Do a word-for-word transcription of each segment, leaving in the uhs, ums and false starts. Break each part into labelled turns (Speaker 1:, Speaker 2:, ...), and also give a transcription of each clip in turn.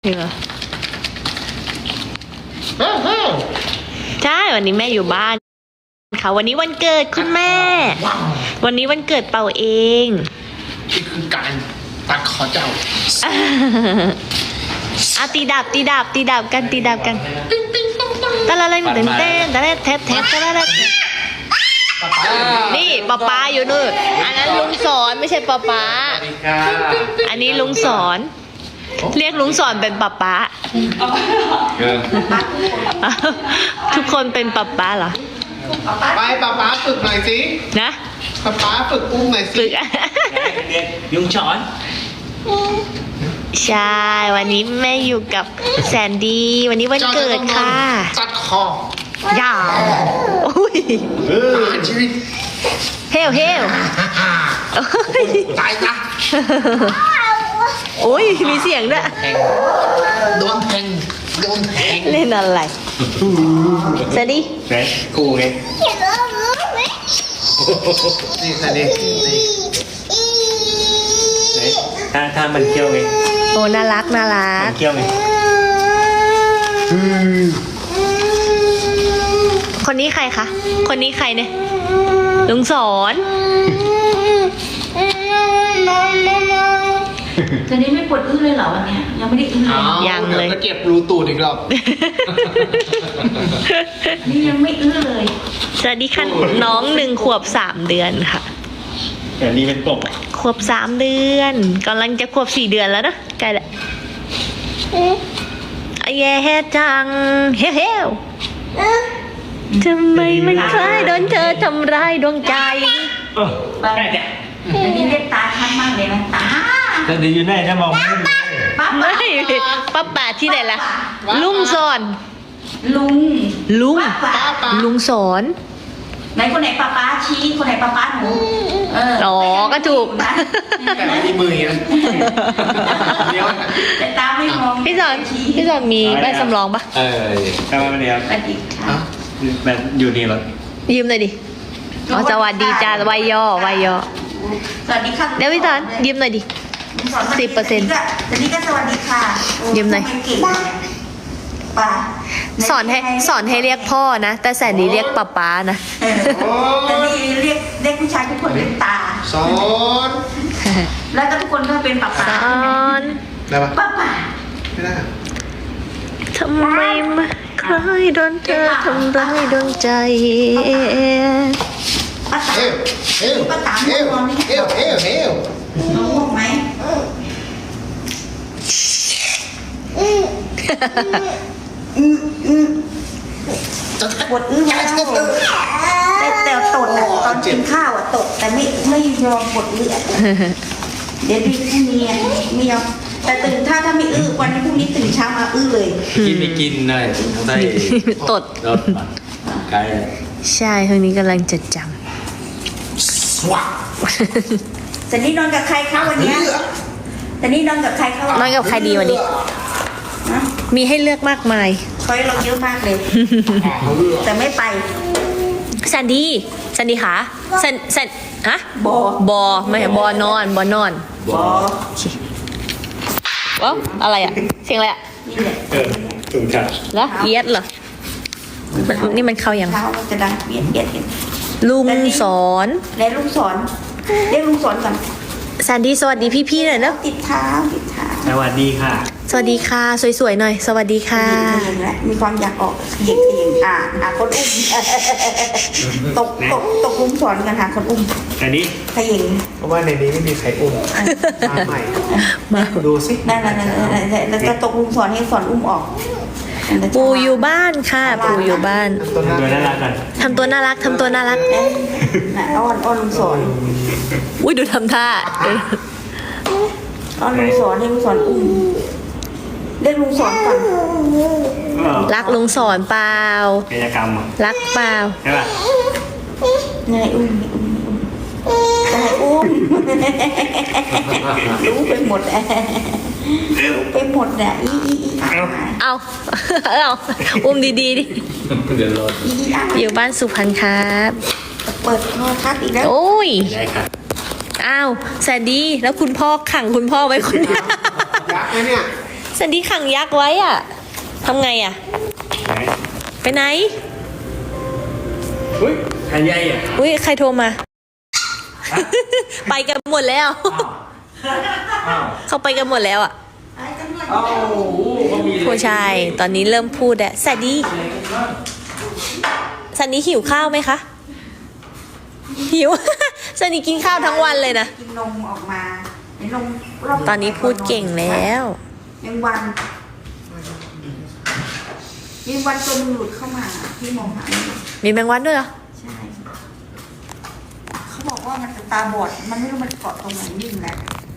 Speaker 1: ริงเหรอใช่วันนี้แม่อยู่บ้านค่ะวันนี้วันเกิดคุณแม่วันนี้วันเกิดเป่าเอง
Speaker 2: นี่คือการตัดคอเจ้า
Speaker 1: อาตีดับตีดับตีดับกันตีดับกันตะละละเต้นเต้นตะละเทสเทสตะละละนี่ป๊าป๊าอยู่นู่นอันนั้นลุงสอนไม่ใช่ป๊าป๊าอันนี้ลุงสอนเรียกลุงสอนเป็นป๊าป๊าทุกคนเป็นป๊าป๊าเหรอ
Speaker 2: ไปป๊าป๊าฝึกหน่อยสิ
Speaker 1: นะ
Speaker 2: ป๊าป๊าฝึกอุ้มหน่อยสิ
Speaker 1: ฝึก
Speaker 3: เรียกลุงสอน
Speaker 1: ใช่วันนี้แม่อยู่กับแซนดี้วันนี้วันเกิดค่ะ
Speaker 2: ตัดคอย
Speaker 1: าวอุ้ย
Speaker 2: ชีวิต
Speaker 1: เฮลเฮล
Speaker 2: ตายนะ
Speaker 1: โอ้ยมีเสียงด้วย
Speaker 2: โดนแทงโดนแทง
Speaker 1: เล่นอะไรแซนดี้
Speaker 3: กูไง
Speaker 2: นี่แซนดี้
Speaker 3: ถ้าถ้ามันเคี้ยวไง
Speaker 1: โอ้น่ารักน่ารัก
Speaker 3: มันเคี้ยวไง
Speaker 1: คนนี้ใครคะคนนี้ใครเนี่ยลุงสอน
Speaker 4: ตอนนี้ไม่ปวดอื้อเลยเหรอวันนี้ยังไม่ได้อื้อเลย
Speaker 1: ยังเลย
Speaker 2: จะเก็บรูตูดอีกรอบ
Speaker 4: นี่ยังไม่อื้อเลย
Speaker 1: สวัสดีค่ะน้องหนึ่งขวบสามเดือนค่ะ
Speaker 3: แต่นี่เป็นกบ
Speaker 1: ขวบสามเดือนกำลังจะขวบสี่เดือนแล้วนะใกล้ละไอ้แย่จังเฮ้เฮ้ทำไมมันคล้ายโดนเธอทำร้ายดวงใจ
Speaker 3: เออได้จ้ะ
Speaker 4: อันนี้เรียกตาชัดมากเลยนะตา
Speaker 3: แต่เดี๋ยวอยู่ไหนจะมองไม่เห็น
Speaker 4: ป้า
Speaker 1: ไม่ป้าป่าที่ไหนล่ะลุงสอน
Speaker 4: ลุง
Speaker 1: ลุงลุงสอน
Speaker 4: ไหนคนไหนป้าป้าชี้คนไหนป้าป้าหนูเออ
Speaker 1: อ๋อก็ถูก
Speaker 2: แต่ไม่มีมือนะเดี๋ยว
Speaker 4: แต่ตาไม่มอง
Speaker 1: พี่สอนพี่สอนมีใบสำรองปะ
Speaker 3: เออทำไมมันเดียว
Speaker 4: สวัสดีค่ะ
Speaker 3: แบบอยู่นี่เหรอ
Speaker 1: ยืมหน่อยดิอ๋อสวัสดีจ้าวัยย่อวัยย่อ
Speaker 4: สวัสดีค่ะ
Speaker 1: เดี๋ยวพี่สอนยืมหน่อยดิสิบเปอร์เซ็นต์
Speaker 4: สวัสดีก็สวัสดีค่ะ
Speaker 1: ยืมหน่อย
Speaker 4: ป้า
Speaker 1: สอนให้สอนให้เรียกพ่อนะแต่แสนดีเรียกป๊าป๊านะ
Speaker 4: แต่นี่เรียกเด็กผู้ชายทุกคนเป็นตา
Speaker 2: สอน
Speaker 4: แล้วก็ทุกคนก็เป็นป๊าป๊า
Speaker 1: สอน
Speaker 2: ได้ปะ
Speaker 4: ป๊าป๊า
Speaker 2: ไม่ได้
Speaker 1: ทำไมมาคล้ายโดนเธอทำร้ายดวงใจ
Speaker 4: ป้าตา
Speaker 2: เอวเอว
Speaker 4: ป้าตา
Speaker 2: เอวเอวเอวเอว
Speaker 4: น้องง่วงไหมปวดอื้อแล้วแต่แต่ตดอ่ะตอนกินข้าวอ่ะตดแต่ไม่ไม่ยอมปวดอื้อเดี๋ยวดีพรุ่งนี้ไม่ยอมแต่ตื่นถ้าถ้าไม่อื้อวันนี้พรุ่งนี้ตื่นเช้ามาอื้อเลย
Speaker 3: กินไม่กินเลยได้
Speaker 1: ตด
Speaker 3: รถไกล
Speaker 1: ใช่ทางนี้กำลังจดจ
Speaker 2: ำว้า
Speaker 4: แต่นี่นอนกับใครคะวันนี้แต่นี่นอนกับใครคะ
Speaker 1: นอนกับใครดีวันนี้มีให้เลือกมากมาย
Speaker 4: ช้อยเราเยอะมากเลยแต่ไม่ไป
Speaker 1: แซนดี้แซนดี้ขาแซนแซนฮะ
Speaker 4: บอบ
Speaker 1: อไม่บอนอนบอนอน
Speaker 4: บอ
Speaker 1: ว้าวอะไรอ่ะเสียงอะไรอ่ะ
Speaker 3: เออถูกจัด
Speaker 1: แล้วเอียดเหรอนี่มันเข้ายัง
Speaker 4: เท้าจะดังเอียดเอียด
Speaker 1: ลุงสอน
Speaker 4: แล้วลุงสอนเรียกลุงสอนก่อน
Speaker 1: แซนดี้สวัสดีพี่ๆหน่อยเนาะ
Speaker 4: ติดเท้าติดเท้า
Speaker 3: สวัสดีค่ะ
Speaker 1: สวัสดีค่ะสวยๆหน่อยสวัสดีค่ะ
Speaker 4: มีความอยากออกเย็นเองอ่าหาคนอุ้มตกตกตกลุงสอนกันหาคนอุ้ม
Speaker 3: อันนี้
Speaker 4: ขยิง
Speaker 2: เพราะว่าในนี้ไม่มีใครอุ้มมาใหม่
Speaker 1: มา
Speaker 2: ดูสิ
Speaker 4: นั่นนั่นนั่นแล้วจะตกลุงสอนให้สอนอุ้มออก
Speaker 1: ปูอยู่บ้านค่ะปูอยู่บ้าน
Speaker 3: ทำตัวน่ารักกัน
Speaker 1: ทำตัวน่ารักทำตัวน่ารัก
Speaker 4: น่ะอ้อนอ้อนลุงสอน
Speaker 1: อุ้ยดูทำท่า
Speaker 4: อ้อนลุงสอนให้ลุงสอนอุ้มเรียกลุงสอนก่อน
Speaker 1: รักลุงสอนเปล่า
Speaker 3: กิจกรรม
Speaker 1: รักเปล่า
Speaker 3: ใช่ป่ะ
Speaker 4: ไงอุ้มไงอุ้มรู้ไปหมดรู้ไปหมดอ่ะอีอีอี
Speaker 1: เอาเอาอุ้มดีๆดิ
Speaker 3: เดี๋ยวรอ
Speaker 1: อยู่บ้านสุพรรณครับ
Speaker 4: เปิดโทรทัศน์อีกแล้ว
Speaker 1: โอ้ย
Speaker 3: ได้ค่ะ
Speaker 1: อ้าวแซนดี้แล้วคุณพ่อขังคุณพ่อไว้คนเดียว
Speaker 2: ยักษ์ไหมเนี่ย
Speaker 1: แสันดีขังยักษ์ไว้อ่ะทำไงอ่ะ
Speaker 3: ไหน
Speaker 1: ไปไหน
Speaker 3: อุ้ยหายใหญ่อ่ะ
Speaker 1: อุ้ยใครโทรมา ไปกันหมดแล้ว
Speaker 3: อ้าว
Speaker 1: เขาไปกันหมดแล้วอ่ะ
Speaker 3: อ้าวโอ้โหเขามีอะไร
Speaker 1: ผู้ชายตอนนี้เริ่มพูดแล้วสันดีสันดีหิวข้าวไหมคะ หิว สันดีกินข้าวทั้งวันเลยนะ
Speaker 4: กินนมออกมาในนมรอบ
Speaker 1: ตอนนี้พูดเก่งแล้ว
Speaker 4: ยังวันยังวันตัวมันหลุดเข้ามาพี่มองหาไม่เห็น
Speaker 1: มีแมงวันด้วยเหรอ
Speaker 4: ใช่ เขาบอกว่ามันจะตาบอด มันไม่รู้มันเกาะตรงไหนนิ่งแหละ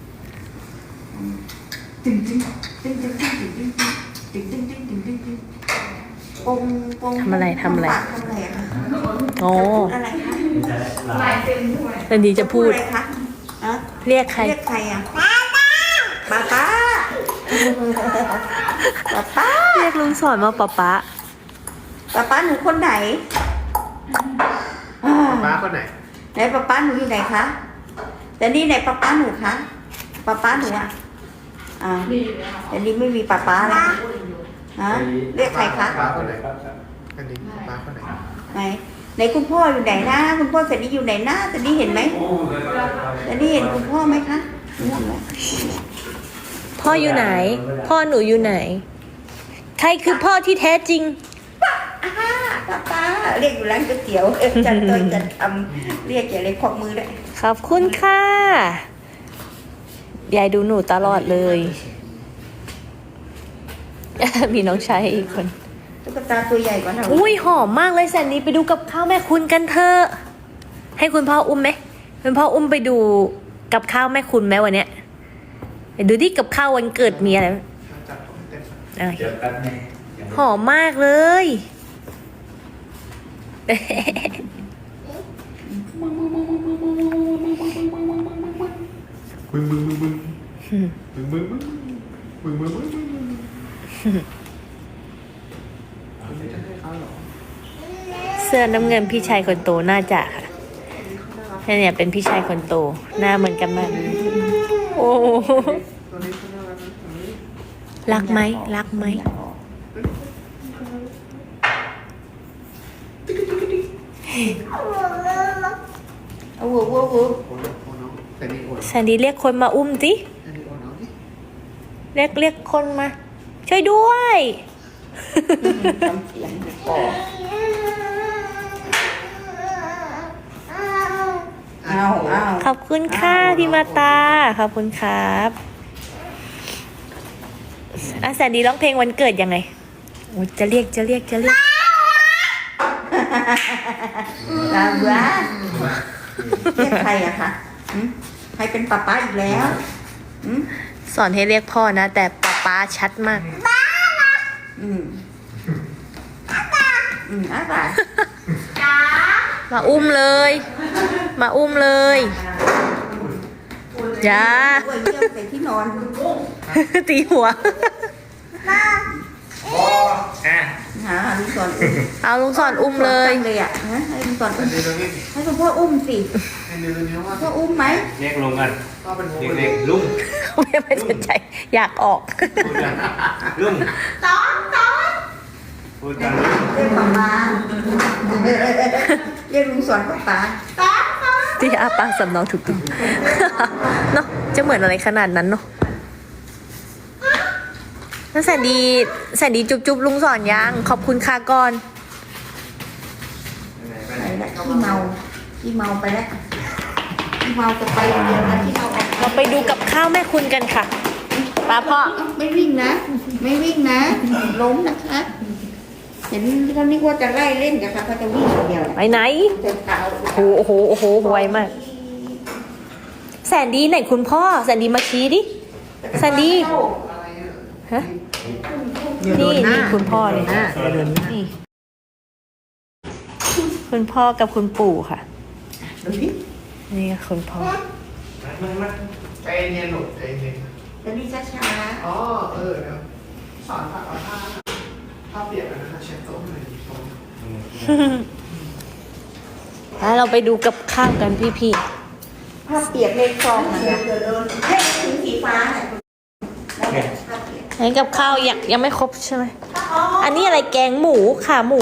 Speaker 4: ตึงตึงตึงตึงตึงตึงตึงตึงตึงตึงตึงตึงตึงปงปง
Speaker 1: ทำอะไรทำอะไร
Speaker 4: ปากทำอะไรอะคะ
Speaker 1: โอ้
Speaker 4: พูดอะไรคะ
Speaker 3: ลาย
Speaker 1: สันดีจะพูด
Speaker 4: อะไรคะอะ
Speaker 1: เรียกใคร
Speaker 4: เรียกใครอะป้าป้าป้าป้าป้า
Speaker 1: เรียกลุงสอนมาป๊าป๊า
Speaker 4: ป้าป้าหนูคนไหนอ่า
Speaker 2: ป้าคนไหน
Speaker 4: ไหนป้าป้าหนูอยู่ไหนคะแต่นี่ไหนป้าป้าหนูคะป้าป้าหนูอะอ่าแต่นี่ไม่มีป้าป้าแล้วฮะเรียกใครคะ
Speaker 2: ป้าคนไหนอันนี้ป้าคนไหน
Speaker 4: ไหนไหนคุณพ่ออยู่ไหนนะคุณพ่อแต่นี่อยู่ไหนนะแต่นี่เห็นไหมแต่นี่เห็นคุณพ่อไหมคะไม่เห็นไหม
Speaker 1: พ่ออยู่ไหน พ่อหนูอยู่ไหน ใครคือพ่อที่แท้จริง
Speaker 4: อ่าป้าป้าเรียกอยู่ร้านก๋วยเตี๋ยวเออจันตัวจันทำเรียกอย่าเลยควักมือเลย
Speaker 1: ขอบคุณค่ะ ยายดูหนูตลอดเลย มีน้องชายอีกคน
Speaker 4: ตุ๊กตาตัวใหญ่กว่าเรา
Speaker 1: อุ้ยหอมมากเลยแสนดีไปดูกับข้าวแม่คุณกันเถอะให้คุณพ่ออุ้มไหมคุณพ่ออุ้มไปดูกับข้าวแม่คุณไหมวันเนี้ยไปดูที่กับข้าววันเกิดมีอะไร
Speaker 2: จับผมเต็ม
Speaker 1: อ่ะ
Speaker 3: เดี๋ยวแป๊บนึง
Speaker 1: หอมมากเลย
Speaker 2: บึ้งบึ้งบึ้งบึ้งบึ้งบึ้งบึ้งบึ้งบึ้งบึ้งบึ้งไม่จะให้เขาหรอ
Speaker 1: เสื้อน้ำเงินพี่ชายคนโตน่าจะค่ะเนี่ยเป็นพี่ชายคนโตหน้าเหมือนกันมากโอ้โห
Speaker 2: ตัวนี้เขาน่ารักนะตัวนี้
Speaker 1: รักไหมรักไหม
Speaker 4: เอาวัววัววัว
Speaker 2: โอ้น้องโอ้น้องแต่นี่โอ้น้อง
Speaker 1: แสนดีเรียกคนมาอุ้มสิ
Speaker 2: อันนี้โอ้น้องนี่
Speaker 1: เรียกเรียกคนมา ช่วยด้วย
Speaker 4: ทำเสียงปอเอาเอา
Speaker 1: ขอบคุณค่ะพี่มาตาขอบคุณครับอ่ะแสนดีร้องเพลงวันเกิดยังไงโอ้จะเรียกจะเรียกจะเรียก
Speaker 4: ลาบ้าเรียกใครอะคะหืมใครเป็นป้าป้าอีกแล้วหืม
Speaker 1: สอนให้เรียกพ่อนะ แต่ป๊าป๊าชัดมาก
Speaker 4: อืมอืมอ้าปาก
Speaker 1: มาอุ้มเลย มาอุ้มเลยจ้า
Speaker 4: กล้วยเยี่ยวใส่ที่นอน
Speaker 1: ตีหัว
Speaker 3: อ่ะ
Speaker 4: หาลุงสอนอุ้ม
Speaker 1: เอาลุงสอนอุ้มเลย
Speaker 4: ตั้งเลยอะฮะให้ลุงสอน
Speaker 2: อั
Speaker 4: อุ้
Speaker 2: น
Speaker 4: ม
Speaker 2: นี้ตัวนี้
Speaker 4: ให้คุณพ่ออุ้มสิ
Speaker 2: อันนี้ตัวนี้ว่า
Speaker 4: พ่ออุ้มไหม
Speaker 3: เรียกลงกัน
Speaker 2: ก็เป็นหัว
Speaker 3: เด็กๆลุง
Speaker 1: ไม่ไม่สนใจ อยากออก
Speaker 3: พูดกันลุง
Speaker 4: สอนสอน
Speaker 3: พูดกันลุง
Speaker 4: เรียกป้าป้าเรียกลุงสอนป้าป้าสอนสอน
Speaker 1: ที่อาปากสำเนาถูกต้อง เนาะจะเหมือนอะไรขนาดนั้นเนาะแล้วแสนดีแสนดีจุบจุบลุงสอนยังขอบคุณค่ะก่อน
Speaker 4: ไปแล้วขี้เมาขี้เมาไปแล้วขี้เมาจะไปอย่างเดียวนะขี้เมาออก
Speaker 1: เราไปดูกับข้าวแม่คุณกันค่ะป้าพ่อ
Speaker 4: ไม่วิ่งนะ ไม่วิ่งนะ ล้มนะคะ เห็นเขานึกว่าจะไล่เล่นกันค่ะเขาจะวิ่งอย่างเดียว
Speaker 1: ไปไหน
Speaker 4: เดินเท้า
Speaker 1: โอ้โหโอ้โหโอ้โหไวมาก แสนดีไหนคุณพ่อ แสนดีมาชี้ดิ แสนดี ฮะ นี่นี่คุณพ่อเลยนี่คุณพ่อกับคุณปู่ค่ะ
Speaker 4: ดูดิ
Speaker 1: นี่คุณพ่อ
Speaker 2: ใจเย็นหนุกใจเย็น
Speaker 4: เดี๋ยวนี้ช้า
Speaker 2: อ๋อเออเดี๋ยวสอนผ้าเอาผ้าผ้าเปียกนะคะเช็ดโต๊ะหน่อยตรง
Speaker 1: แล้วเราไปดูกับข้าวกันพี่
Speaker 4: ๆผ้าเปียกในคลองนะเฮ้ยถึงสีฟ้าเนี่ยผ้าเปียก
Speaker 1: อันนี้กับข้าวยังยังไม่ครบใช่ไหม อันนี้อะไรแกงหมูขาหมู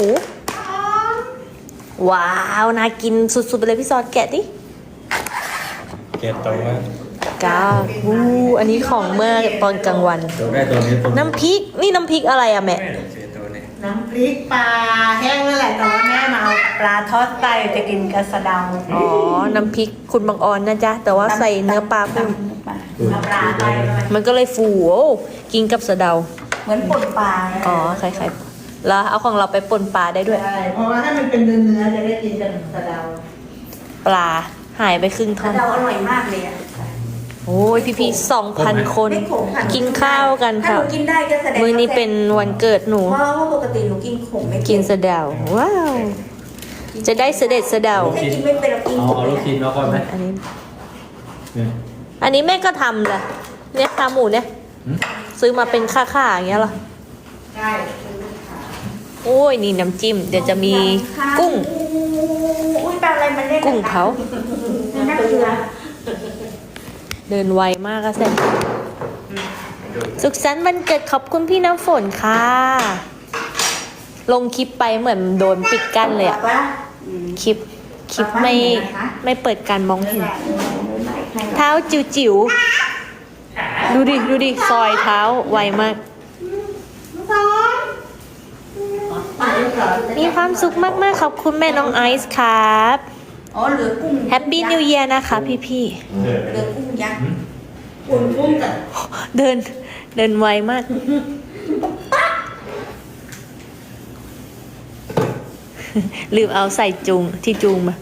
Speaker 1: ว้าว น่ากินสุดๆไปเลยพี่ซอนแกะดิ
Speaker 3: เก็บตรงนั้น
Speaker 1: ก้าววู้อันนี้ของเมื่อตอนกลางวัน
Speaker 3: ตัวได้ตัวนี้ตัว
Speaker 1: น้ำพริก นี่น้ำพริกอะไรอะแม่
Speaker 3: แม่เสียตัวนี้
Speaker 5: น้ำพริกปลาแห้งนั่นแหละแต่ว่าแม่มาเอาปลาทอดไตจะกินกระสะเดา
Speaker 1: อ๋อ น้ำพริกคุณบางออนนะจ๊ะ แต่ว่าใส่เนื้อปลาคุณ
Speaker 5: เอาปลาไปเลย
Speaker 1: มันก็เลยฟูโอ้กินกับสะเดา
Speaker 4: เหมือนป่นปลา
Speaker 1: อ๋อคล้ายๆแล้วเอาของเราไปป่นปลาได้ด้วย
Speaker 5: ใช่เพราะว่าให้มันเป็นเนื้อเนื้อๆจะได้กินกับกระเดา
Speaker 1: ปลาหายไปครึ่งท่อน
Speaker 4: เราอร่อยมากเลยอ่ะ
Speaker 1: โอ้ยพี่ๆสองพันคน
Speaker 4: ไม่ขมค่ะ
Speaker 1: กินข้าวกัน
Speaker 4: ถ้า
Speaker 1: ค่ะ
Speaker 4: หนูกินได้ก็แสดง
Speaker 1: มื้อนี้เป็นวันเกิดหนู
Speaker 4: เพราะว่าปกติหนูกินขมไม่
Speaker 1: กินสะเดา ว้าว จะได้เสด็จสะเดา
Speaker 4: ให้กินไม่เป็นเรากิน
Speaker 3: เอา
Speaker 4: ขม
Speaker 3: เอาลูกชิ้นมาก่อนไหม
Speaker 1: อันนี้
Speaker 3: เนี่ย
Speaker 1: อันนี้แม่ก็ทำแหละเนี่ยขาหมูเนี่ย
Speaker 3: หืม
Speaker 1: ซื้อมาเป็นค่าๆอย่างเงี้ยเหรอ
Speaker 5: ใช่
Speaker 1: โอ้ยนี่น้ำจิ้ม เดี๋ยวจะมีกุ้ง
Speaker 4: อุ้ยปลาอะไรมันเล่น
Speaker 1: กุ้งเผา
Speaker 4: น่าเกลือ
Speaker 1: เดินไวมากอะแซ่บสุขสันต์วันเกิดขอบคุณพี่น้ำฝนค่ะ ลงคลิปไปเหมือนโดนปิดกั้นเลยอะ
Speaker 4: ว่า
Speaker 1: คลิป คลิปไม่ไม่เปิดการมองเห็น เท้าจิ๋วจิ๋วๆดูดิ ดูดิ ซอยเท้าไวมาก มีความสุขมากๆ ขอบคุณแม่น้องไอซ์ครับ
Speaker 4: อ๋อเหลือกุ้ง
Speaker 1: แฮปปี้นิวเยียร์นะคะพี่
Speaker 3: เออ
Speaker 4: เหลือกุ้งยักษ์
Speaker 5: อุ่นกุ้งกับ
Speaker 1: ๆ เดิน เดินไวมาก ลืมเอาใส่จุงที่จุงมา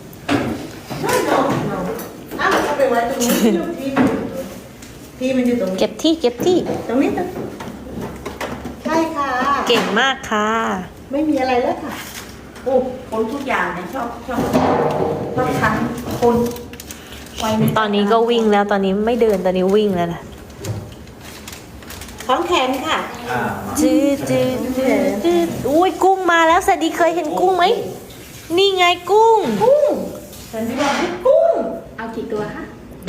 Speaker 5: อ้าวเอาไปไว้ตรงนี้ที่ที่มันอยู่ตรงนี้
Speaker 1: เก็บที่เก็บที่
Speaker 5: ตรงนี้ตรงนี้ใช่ค่ะ
Speaker 1: เก่งมากค่ะ
Speaker 5: ไม่มีอะไรแล้วค่ะ
Speaker 4: โอ้คนทุกอย่างเนี่ยชอบชอบชอบทั้งคนไวไม่
Speaker 1: ตอนนี้ก็วิ่งแล้วตอนนี้ไม่เดินตอนนี้วิ่งแล้วนะ
Speaker 5: ของแขนค่ะ
Speaker 3: อ่า
Speaker 1: จืดจืดจืดจืดอุ้ยกุ้งมาแล้วสวัสดีเคยเห็นกุ้งไหม นี่ไงกุ้ง
Speaker 5: กุ้งฉันบอกให้กุ้ง
Speaker 4: เอากี่ตัวคะ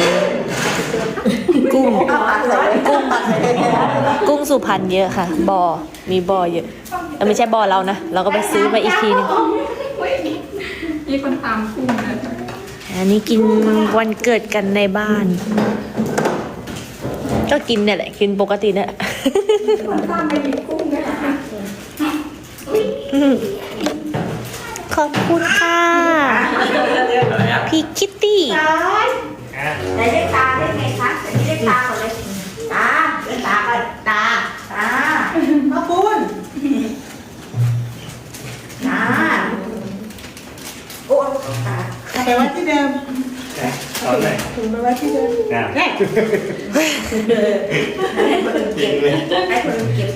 Speaker 1: กุ้ง
Speaker 4: เอาปลาใส่
Speaker 1: กุ้ง กุ้งสุพรรณเยอะค่ะ บ่อ มีบ่อเยอะเอ้ยไม่ใช่บ่อเรานะ เราก็ไปซื้อมาอีกทีนึง
Speaker 6: มีคนตามกุ้งนะ
Speaker 1: อันนี้กินวันเกิดกันในบ้าน ก็กินเนี่ยแหละ กินปกติเนี่ยแหละ
Speaker 6: คนตามไปหยิบกุ้งเนี่ยนะคะ
Speaker 1: ขอบคุณค่ะ
Speaker 3: อะไรอ่ะ
Speaker 1: พี่คิตตี้
Speaker 3: อ่ะ
Speaker 4: ไหนเรียกตาได้ไงคะแต่นี่เรียกตาก่อนเลยตาเรียกตาก่อนตาตา
Speaker 5: ขอบคุณ
Speaker 4: ตาโอ้ตา
Speaker 5: เอาไปไว้ที่เดิม
Speaker 3: ตอนไหน
Speaker 5: ถุงไปไว้ที่เดิม
Speaker 3: อ่ะ
Speaker 5: แน่
Speaker 4: ให้คนอื่น
Speaker 3: จริ
Speaker 4: เก็
Speaker 3: ง
Speaker 4: บ
Speaker 3: เลย
Speaker 4: ให้คนอื่นเก็บ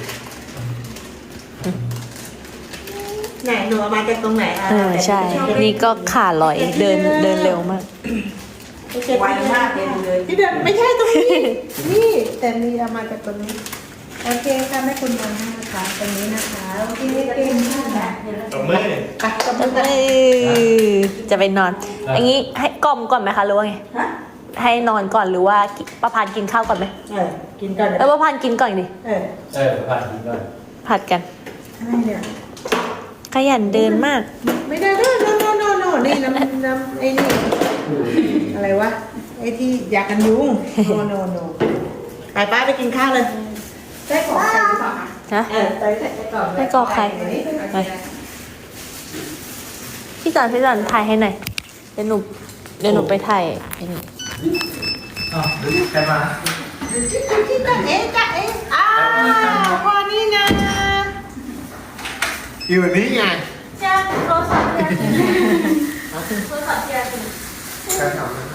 Speaker 5: ไหนหนูเอามาจากตรงไหนอ่ะ
Speaker 1: เออใช่ นี่ก็ขาลอยเดินเดินเร็วมาก
Speaker 4: ไวมากเลยดูเลย
Speaker 5: ที่เดิมไม่ใช่ตรงนี้ นี่แต่มีเอามาจากตรงนี้ โอเคค่ะแม่คุณมองให้นะคะตรงนี้นะคะ โอเคเก่งมากค่ะ
Speaker 3: ตบมือ
Speaker 5: ไปตบมือกัน
Speaker 1: เอ้ยจะไปนอน อย่างนี้ให้กล่อมก่อนไหมคะหรือว่าไง
Speaker 4: ฮะ
Speaker 1: ให้นอนก่อนหรือว่าประพานกินข้าวก่อนไหม
Speaker 5: เออกินก่อน
Speaker 1: เออประพานกินก่อนดิ
Speaker 5: เออ
Speaker 3: เออผ่านทีก่อน
Speaker 1: ผัดกัน
Speaker 5: อะไรเนี่ย
Speaker 1: ขยันเดินมาก
Speaker 5: ไม่ได้โน่โน่โน่โน่นี่น้ำน้ำไอ้นี่อะไรวะไอ้ที่ยากันยุงโน่โน่โน่ไปป้าไปกินข้าวเลย
Speaker 4: ได้ของใครหรือเปล่าคะ
Speaker 1: ฮะ
Speaker 5: เออไปใส่ก่อน
Speaker 1: ให้กรอกใคร ไปพี่จันพี่จันถ่ายให้หน่อย เดี๋ยวหนูเดี๋ยวหนูไปถ่ายไอ้นี่
Speaker 3: อ๋อใครมา
Speaker 5: ที่ตั้งเอ๊ะจ้ะเอ๊ะอ้าวพอนี่นะ
Speaker 2: อยู่นี่ไง
Speaker 1: จ้าโทรศัพท์เนี่ยโทรศัพท์เนี่ย
Speaker 2: การทำนะ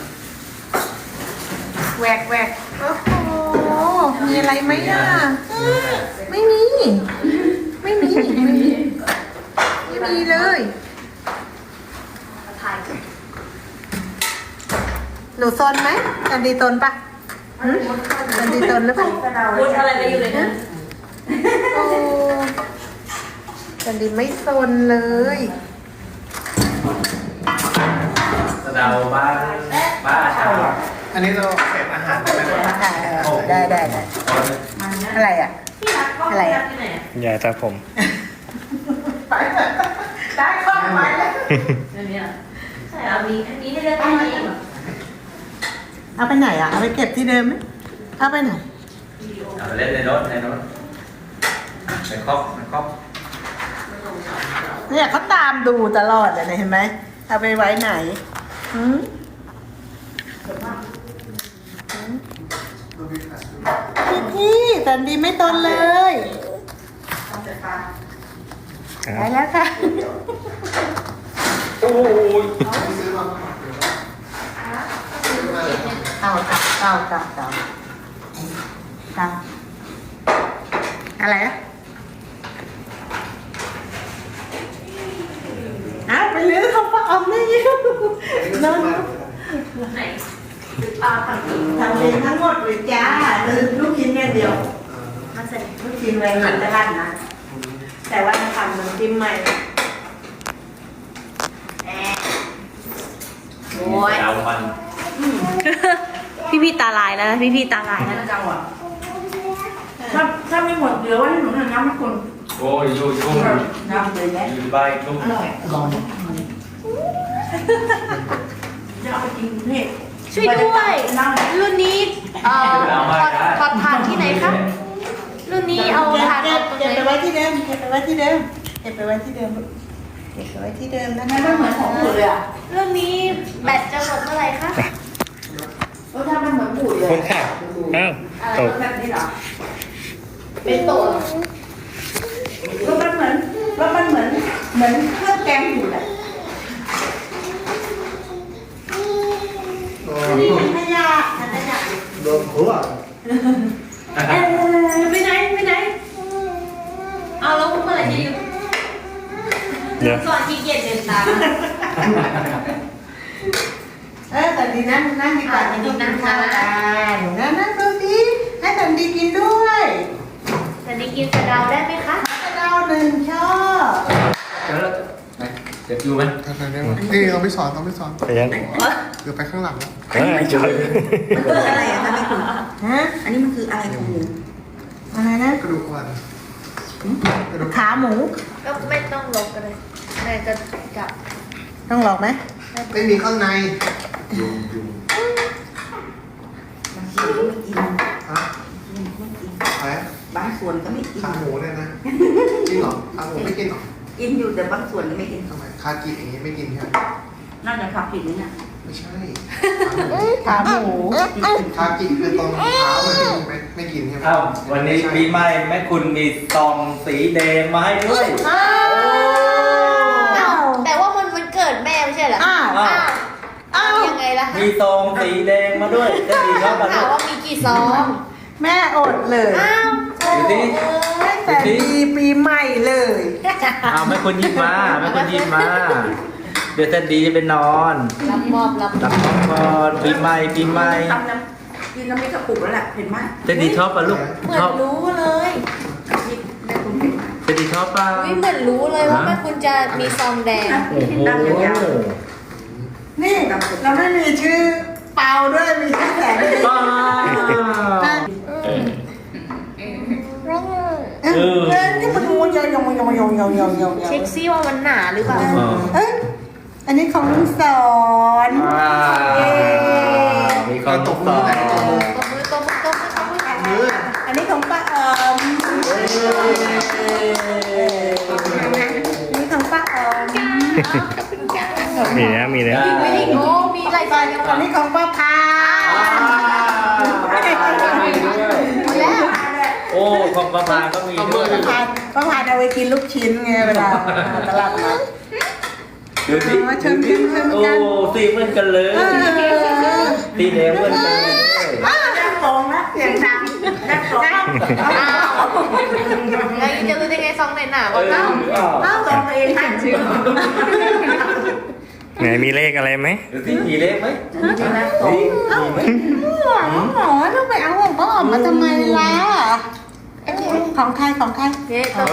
Speaker 5: แหวกแหวกโอ้โหมีอะไรไหมอ่ะไม่มี ไม่มี ไม่มี ไม่มีเลย
Speaker 1: ถ่าย
Speaker 5: หนูซนไหมจันดีตนปะหึจันดีตนหรือเปล่า
Speaker 1: พูดอะไรมาอยู่เลยนะ
Speaker 5: โอ้จันดีไม่ซนเลย
Speaker 3: สะเดาบ้านบ้านอาชา
Speaker 2: อันนี้เราเก็บอาหารได้ไหมวะ
Speaker 5: ได้ได้ได้
Speaker 3: ตอนนี้
Speaker 5: อะไรอ่ะ
Speaker 4: พี่รัก
Speaker 5: อะไรอะ
Speaker 7: ยายตาผม
Speaker 5: ไปเลยได้ข้อไปเลย
Speaker 1: อันนี้ใช่เอามีอันนี้ได้เลยไปไหน
Speaker 5: เอาไปไหนอ่ะเอาไปเก็บที่เดิมไหมเอาไปไหน
Speaker 3: เอาไปเล่นในรถในรถในครอบในครอบ
Speaker 5: เนี่ยเขาตามดูตลอดเลยนะเห็นไหมเอาไปไว้ไหนหืม
Speaker 2: ตัวพี่ขาดดู
Speaker 5: พี่พี่แต่ดีไม่ตนเลยไปแล้วค่ะ
Speaker 3: โอ้ย
Speaker 2: ซื้อมาใหม่เดี๋ยวซื้อมาเลย
Speaker 5: เต่าเต่าเต่าเต่าเต่าเต่าอะไรอะอ้าวไปเลี้ยงเขาปลาอมได้ยังนอน
Speaker 1: ไหนปลาผักอีก
Speaker 5: ทำเองทั้งหมดเลยจ้าลืมลูกชิ้นอย่างเดียว
Speaker 1: มาใส่
Speaker 5: ลูกชิ้นไว้หลังตลาดนะแต่ว่าทำน้ำจิ้มใหม่
Speaker 1: แอะโอ้ย
Speaker 3: ดาวมัน
Speaker 1: พี่พี่ตาลายแล้วนะพี่พี่ตาลายแล้วนะ
Speaker 4: จังหวะถ้าถ้าไม่หมดเดี๋ยวว่าให้หนูทำน้ำให้คุณ
Speaker 3: โอ้ยอยู่อยู่
Speaker 4: น้ำเลยนะ
Speaker 3: อยู่ใบลูก
Speaker 4: อร่อยลองจะเอาไปกินเผ็ด
Speaker 1: ช่วยด้วยรุ่นนี้เอ่อถอดถอดทานที่ไหนคะรุ่นนี้เอาทาน
Speaker 5: เก็
Speaker 1: เอา
Speaker 5: บ
Speaker 1: ตรง
Speaker 5: เก็บ
Speaker 1: ไหน
Speaker 5: ไปไว้ที่เดิมเก็บไปไว้ที่เดิมเก็บไปไว้ที่เดิมเก็บไปไว้ที่เดิมนะ
Speaker 4: มั
Speaker 5: คะ
Speaker 4: นไม่เหมือนของบูดเลยอ่ะ
Speaker 1: รุ่นนี้แบตจะหมดเมื่อไหร่คะ
Speaker 4: รสชาติมันเหมือนบูดเลย
Speaker 7: คุณค่ะอ้าว
Speaker 4: อะไร
Speaker 7: ตก
Speaker 4: แบบนี้เหรอ
Speaker 1: เป็นโต
Speaker 4: รสมันเหมือนรสมันเหมือนเหมือนเครื่องแกงบูดอ่ะ
Speaker 5: นี่เป็นขยะ
Speaker 2: โดนหัว
Speaker 1: เออไปไหนไปไหนเอาแล้วเมื่อไหร่จะหยุด
Speaker 7: เดี๋ยว
Speaker 1: ก่อนขี้เกียจเดินตาม
Speaker 5: เออแต่ดีนั่งนั่งดีกว่าดีนั่งทานหนูนั่งนั่งดูสิให้แต่ดีกินด้วย
Speaker 1: แต่นี่กินสะเดาได้ไหมคะ
Speaker 5: กระเดาหนึ่งชอบ
Speaker 3: เดี๋ยวเราไหนเดี๋ยวอยู่ไหม
Speaker 2: ทำไมได้ไหมนี่เราไม่สอนเราไม่สอน
Speaker 7: ไปยัง
Speaker 2: เดี๋ยวไปข้างหลังแล้ว
Speaker 7: เอ้ยจอย
Speaker 4: มันคืออะไรอ่ะคะแม่คุณ
Speaker 5: ฮะ
Speaker 4: อันนี้มันคืออะไรของหนู
Speaker 5: อะไรนะ
Speaker 2: กระดูกวันกระดูก
Speaker 5: ขาหมู
Speaker 1: ก็ไม่ต้องลบกันเลยแม่จะจับ
Speaker 5: ต้องหลอกไหม
Speaker 2: ไม่มีข้างในยุงยุง
Speaker 4: บางทีก็ไม่กิน
Speaker 2: ฮะอะไร
Speaker 4: บางส่วนก็ไม่กิน
Speaker 2: ขาหมูเนี่ยนะจริงเหรอขาหมูไม่กินเหรอ
Speaker 4: กินอยู่แต่บางส่วนไม่กิน
Speaker 2: ทำไมคากิอย่างนี้ไม่กินใช่ไหม
Speaker 4: น่าจะขับผิดนี่เนี่ย
Speaker 2: ไม่ใช่
Speaker 5: ขาหมู
Speaker 2: คากิคือตรงเท้ามันไม่ไม่กินใช่ไหม
Speaker 3: อ้าววันนี้ปีใหม่แม่คุณมีซองสีแดงมาให้ด้วย
Speaker 5: อ้า
Speaker 1: อ้าว
Speaker 5: ว
Speaker 1: แต่ว่ามันมันเกิดแม่ไม่ใช่เหรอ
Speaker 5: อ้าว
Speaker 1: อ้าว
Speaker 5: อ้าว
Speaker 1: ยังไงล่ะคะ
Speaker 3: มีซองสีแดงมาด้วยจะดีชอบปะ
Speaker 1: ถา
Speaker 3: ลู
Speaker 1: ม
Speaker 3: ก
Speaker 1: ว่ามีกี่ซอง
Speaker 5: แม่อดเลย
Speaker 1: อ้าวโอ้
Speaker 3: ดูดิ
Speaker 5: ตั้งแต่ปีปีใหม่เลย
Speaker 3: เอาแม่คุณยิ้มมาแม่คุณยิ้มมา เดี๋ยวจะดีจะไปนอน
Speaker 1: รับมอบรับ
Speaker 3: รับของก่อนปีใหม่ปีใหม่
Speaker 4: ทำน้ำกินน้ำพริกกระปุกแล้วแหละเห็นไหม
Speaker 3: จะดีชอบปะลูก
Speaker 1: เหมือ
Speaker 3: ช
Speaker 1: น
Speaker 3: อบ
Speaker 1: รู้เลย
Speaker 4: น้ำพริกแม่คุณเห็นไหม
Speaker 3: จะดีชอบปะ
Speaker 1: อุ้ยเหมือนรู้เลยว่าแม่คุณจะมีซองแดง
Speaker 3: โอ้โห
Speaker 4: น้ำยาว
Speaker 5: นี่เราไม่มีชื่อเปาด้วยมีชื่อแสนดี
Speaker 3: ป้า
Speaker 7: เออ
Speaker 5: เออเออนี่มันงูยองยองยองยองยองยองยอง
Speaker 1: เช็คซิว่ามันหนาหรือเปล่า
Speaker 5: เอ้ยอันนี้ของลุงสอน
Speaker 3: อ่ามีความตกต่อ
Speaker 1: ตบมือตบมือตบมือตบมือ
Speaker 2: มือ
Speaker 5: อันนี้ของป้าออมอันนี้ของป้าออม
Speaker 7: มีนะมีนะ
Speaker 1: มีวิ่งโอ้มีหลายซองยัง
Speaker 5: อันนี้ของป้าพา
Speaker 1: แล้ว
Speaker 3: โอ้ของประมาก็มีด้วย
Speaker 5: ป้าพาป้าพาเอาไปกินลูกชิ้นไงเวลามาตลาดนัด
Speaker 3: ดูสิ
Speaker 5: มาชมกันชม
Speaker 3: โอ้
Speaker 5: กัน
Speaker 3: สีเหมือนกันเลย
Speaker 5: เออ
Speaker 3: สีแดงเหมือนกันเลย
Speaker 4: แม่ฟองนะเสียงดังแม่ฟอง
Speaker 1: อ้าวแล้วจะรู้ได้ไงซองไหนหนาก
Speaker 3: เอ
Speaker 1: ว่า
Speaker 3: อ
Speaker 1: เล่า
Speaker 3: อ้าว
Speaker 4: ฟองเองให้ชื่อ
Speaker 7: ไหนมีเลขอะไรไหม
Speaker 3: ดูสิมีเลขไหม
Speaker 4: นี่นะฟอง
Speaker 3: นี่มีไหม
Speaker 5: หมอต้องไปเอาของป้าออมมาทำไมล่ะของใครของใคร
Speaker 1: เย้ตบ
Speaker 3: โอ้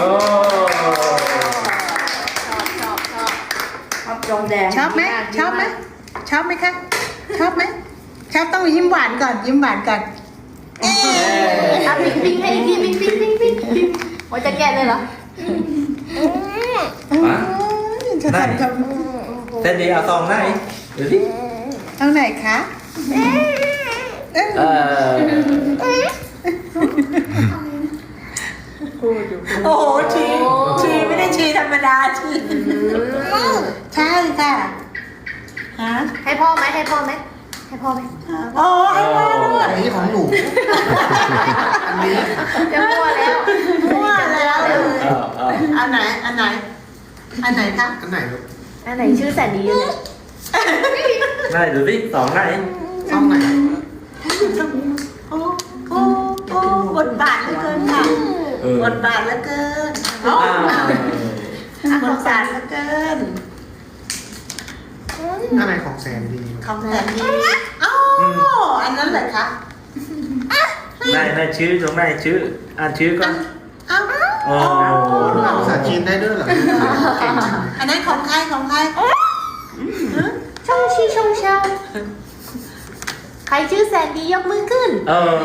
Speaker 1: ชอบชอบชอบ
Speaker 4: ชอบจงแดง
Speaker 5: ชอบไหมชอบไหมชอบไหมคะชอบไหมชอบต้องยิ้มหวานก่อนยิ้มหวานก่อน
Speaker 1: อ่ะปิ๊งปิ๊งให้อีกทีปิ๊งปิ๊งปิ๊งปิ๊งปิ๊งว่าจะแกะเลยเหรอ
Speaker 3: มา
Speaker 5: จะ
Speaker 3: ได้
Speaker 5: ทำท
Speaker 3: แซนดี้เอาซองไหนเดี๋ยวดิ
Speaker 5: ำเอาไหนคะ
Speaker 3: เออ
Speaker 5: โอ้โหชีชีไม่ได้ชีธรรมดาชีใช่ค่ะฮะ
Speaker 1: ให้พ่อไหมให้พ่อไหมให้พ่อไหม
Speaker 5: โอ้ให้พ่อด้วย
Speaker 2: อันนี้ของหนู อันนี้
Speaker 1: จะมั่วแล้ว
Speaker 5: มั่วแล้ว
Speaker 3: เออเออ
Speaker 5: อันไหนอันไหนอันไหนคะ
Speaker 2: อันไหนลูก
Speaker 1: อันไหนชื่อแสนดีอยู่เนี่ย
Speaker 3: ได้ดูดิซองไหน
Speaker 2: ซองไหน
Speaker 5: โอ้โอ้โอ้บทบาทเหลือเกินค่ะ
Speaker 3: เออบ
Speaker 5: ทบาทเหลือเกิน
Speaker 3: อ้าว
Speaker 5: บทบาทเหลือเกิน
Speaker 2: อันไหนของแซนดี
Speaker 5: ของแสนดีอ๋ออันนั้นเหรอคะ
Speaker 3: ได้ได้ชื่อตรงไหนชื่ออ่านชื่อก่อน
Speaker 5: เอ้า
Speaker 3: โอ้
Speaker 2: หนูอ่านภาษาจีนได้ด้วยเหรอเก่งจังเลย
Speaker 5: อันนั้นของใครของใคร
Speaker 1: ช่องชีช่องเชาใครชื่อแสนดียกมือขึ้น
Speaker 3: เออ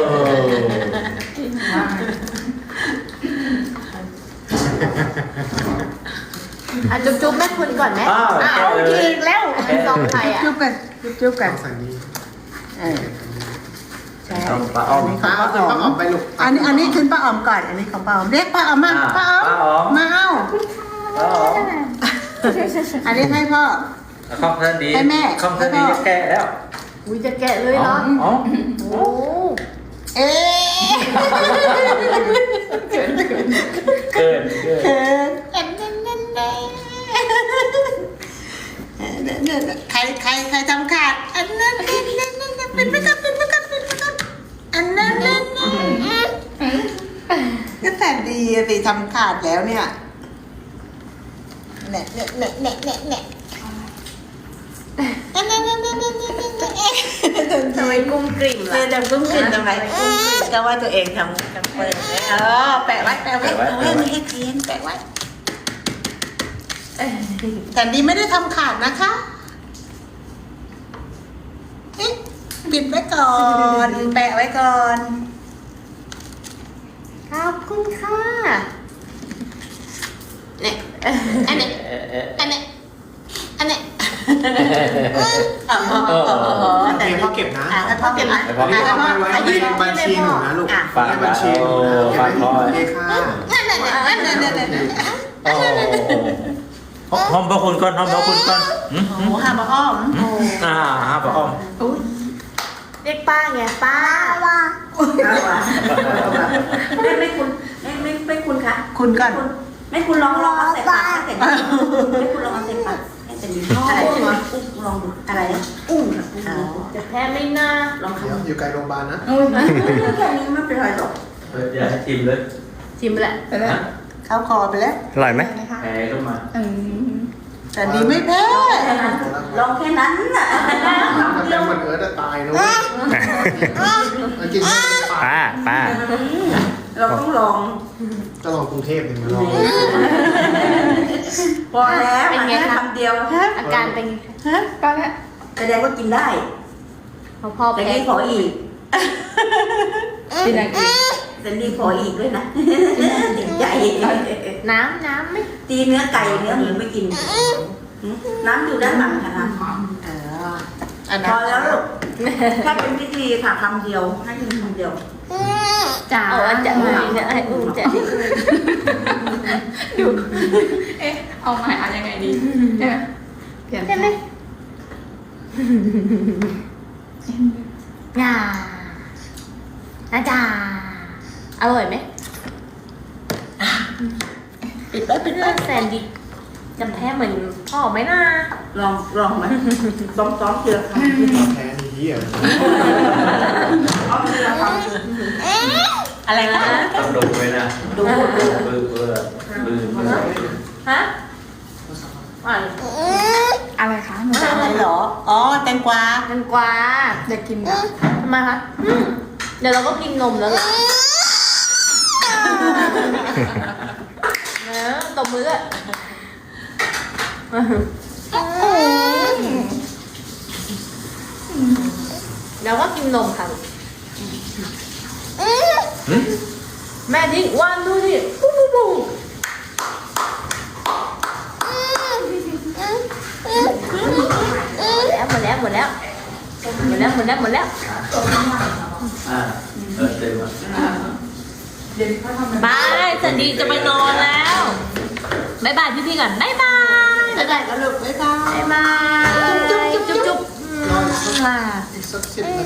Speaker 1: อ่ะจุ๊บจุ๊บแม่คุณก่อนไหม
Speaker 3: อ้าว
Speaker 1: อ้า
Speaker 3: แกะ
Speaker 1: ว
Speaker 3: เลย
Speaker 1: อีกแล้วซองใครอ่ะ
Speaker 5: จุ๊บกันจุ๊บ
Speaker 2: ข
Speaker 5: กัน
Speaker 2: องแซนดี
Speaker 5: เออใช่
Speaker 3: ต้องปลาอ้อม
Speaker 2: ป้าเอาขึ้นป้าออกไปลูก
Speaker 5: อันนี้อันนี้คือป้าออมก่อน อันนี้ของป้าออมเรียกป้าออมมา
Speaker 3: อ่า
Speaker 5: ป้าออม
Speaker 3: ป้าออม
Speaker 5: มาเอา
Speaker 3: ปลาอ้อม
Speaker 5: อันนี้ให้พ่อ
Speaker 3: ข้องแซนดี
Speaker 5: ให้แม่
Speaker 3: ข้องแซนดีจะแกะแล้ว
Speaker 1: อุ้ยจะแกะเลยเหรอ
Speaker 3: อ๋อ
Speaker 1: โอ้
Speaker 5: เอ๊ะ
Speaker 3: เกินเกิน
Speaker 5: เขินอันนั้นนั่นแน่ใครใครใครทำขาดอันนั้นนั่นนั่นนั่นเป็นไม่กันเป็นไม่กันเป็นไม่กันอันนั้นนั่นนั่นก็แต่ดีอะสิทำขาดแล้วเนี่ยเนี่ยเนี่ยเนี่ยเนี่ยเนี่ยเนี่ยอันนั้นนั่นนั่นนั่นนั่นนั่น
Speaker 1: ทำไมกุ้งกริ่ม
Speaker 5: เธ
Speaker 1: ล่ะ
Speaker 5: อทำกุ้งกลิ่นทำไมก็ว่าตัวเองทำทำเปิดเออแปะไว้แปะไว้แปะไว้ไม่ให้เทียนแปะไว้แต่ดีไม่ได้ทำขาดนะคะเอ๊ะปิดไว้ก่อน แปะไว้ก่อน
Speaker 1: ขอบคุณค่ะ
Speaker 5: เนี่ยอันนี้
Speaker 3: เอ๊ะเอ๊ะ
Speaker 5: อันนี้อันนี้
Speaker 3: อ๋ออ๋ออ๋อ
Speaker 5: แต่
Speaker 2: เดี๋ยวพ่อเก็บนะ
Speaker 5: อ่ะให้พ่อเก็บนะ
Speaker 3: ให้พ่อเก็บ
Speaker 2: เอาไว้ไว้ในบัญชีหนูนะลูก
Speaker 3: ฝาก
Speaker 2: ในบัญชีหนูนะ
Speaker 3: ฝากพ่อ
Speaker 2: เก็บไว้ในบัญชีค่ะ
Speaker 5: นั่นนั่นนั่นนั่นนั่นนั่น
Speaker 3: โอ้ห้องพระคุณก่อนห้องพระคุณก่อนหืม
Speaker 5: โอ้ห้าบะอ้อม
Speaker 3: อ่าห้าพระอ้อม
Speaker 1: เรียกป้าไงป้า
Speaker 4: ไม่ไม่คุณไม่ไม่ไม่คุณคะ
Speaker 5: คุณก่อน
Speaker 4: คุณไม่คุณลองลองเอาใส่ปากให้แต่ดีไม่คุณลองเอาใส่ปากให้แต่ดีอะไรนะกุ้งลองดูอะไรนะกุ้งอะกุ้ง
Speaker 1: จะแพ้ไม่น่า
Speaker 4: ลอง
Speaker 2: เดี๋ยว
Speaker 4: ทำ
Speaker 2: อยู่ไกลโรงพยาบาลนะ
Speaker 4: แค่นี้ไม่เป็นไรหรอก
Speaker 3: เอออย่าให้ทิมเลย
Speaker 1: ชิมไปแหละ
Speaker 3: นะ
Speaker 5: เข้าคอไปแล้ว
Speaker 7: อร่อยไหม
Speaker 3: แพ้ขึ้นมา
Speaker 5: แต่ดีไม่แพ้
Speaker 4: ลองแค่นั้นน่ะ
Speaker 2: ถ้าเป็นเหมือนเอิร์ธจะตายนะเว้ยเอาจริงๆตาย
Speaker 7: ป้าป้า
Speaker 4: เราต้องลอง
Speaker 2: จะลองกรุงเทพหนึ่งมาลอง
Speaker 4: พอแล้วอันนี้คำเดียว
Speaker 1: อาการเป็นไงคะ
Speaker 5: ป้าแพ้
Speaker 4: แสดงว่ากินได้
Speaker 1: พอพ่อ
Speaker 4: แต่
Speaker 1: แพ้
Speaker 4: นี่ขออีก
Speaker 1: กินอะไรกิน
Speaker 4: แต่นี่ขออีกด้วยนะติดใจ
Speaker 1: น้ำน้ำไหม
Speaker 4: ตีเนื้อไก่เนื้อหมูไม่กิน น้ำอยู่ด้านหลังค่ะน้
Speaker 5: เอออัน
Speaker 4: ำ
Speaker 5: นั้
Speaker 4: พ
Speaker 5: น
Speaker 4: อแล้วลูกแค่เป็นพิธีค่ะคำเดียวให้กินคำเดียว
Speaker 1: จ๋าจะอุ้มจะให้อุ้มจะให้อุ้ม
Speaker 6: ดูเอ๊ะเอาใหม่เอายังไงดีเอ๊ะเปลี่ยน
Speaker 1: ใช่ไหมงาอาจาอร่อยไหม
Speaker 5: ปิดไปปิด
Speaker 1: เพื่
Speaker 5: ไป
Speaker 1: อนแซนดิจะแพ้เหมือนพ่อไหมนะ
Speaker 4: ลองลองไหมซ้อมซ้อมเกลือคำ
Speaker 2: แพ้นี้อ่ะ
Speaker 4: ซ้อมเกลือค
Speaker 5: อะไรนะ
Speaker 3: ต้องดูไว้นะ
Speaker 4: ำดูดู
Speaker 3: เบื่อเบื่อเบื่อเบื่อ
Speaker 1: ฮะอ่าน
Speaker 6: อะไรคะหนู
Speaker 5: อะไรเหรอ อ๋อ แตงกวา
Speaker 1: แตงกวา
Speaker 6: อยากกินแบบ
Speaker 1: ทำไมคะอืมเดี๋ยวเราก็กินนมแล้วล่ะเนอะตบมืออะเดี๋ยวก็กินนมค่ะ
Speaker 3: หึ
Speaker 1: แม่ทิ้งวันดูดิปุ๊บปุ๊บปุ๊บหมดแล้วหมดแล้วหมดแล้วหมดแล้วหมดแล้วหมดแล้ว
Speaker 3: อ่าเออเต็มอ่ะ
Speaker 1: บายสันดีจะไปนอนแล้วบายบายพี่ๆก่อนบายบาย
Speaker 5: บ๊ายบายกันลูกบ๊ายบาย
Speaker 1: บายบายจุ๊บจุ๊บจุ๊บจุ๊บ
Speaker 2: อีกสักสิบนาที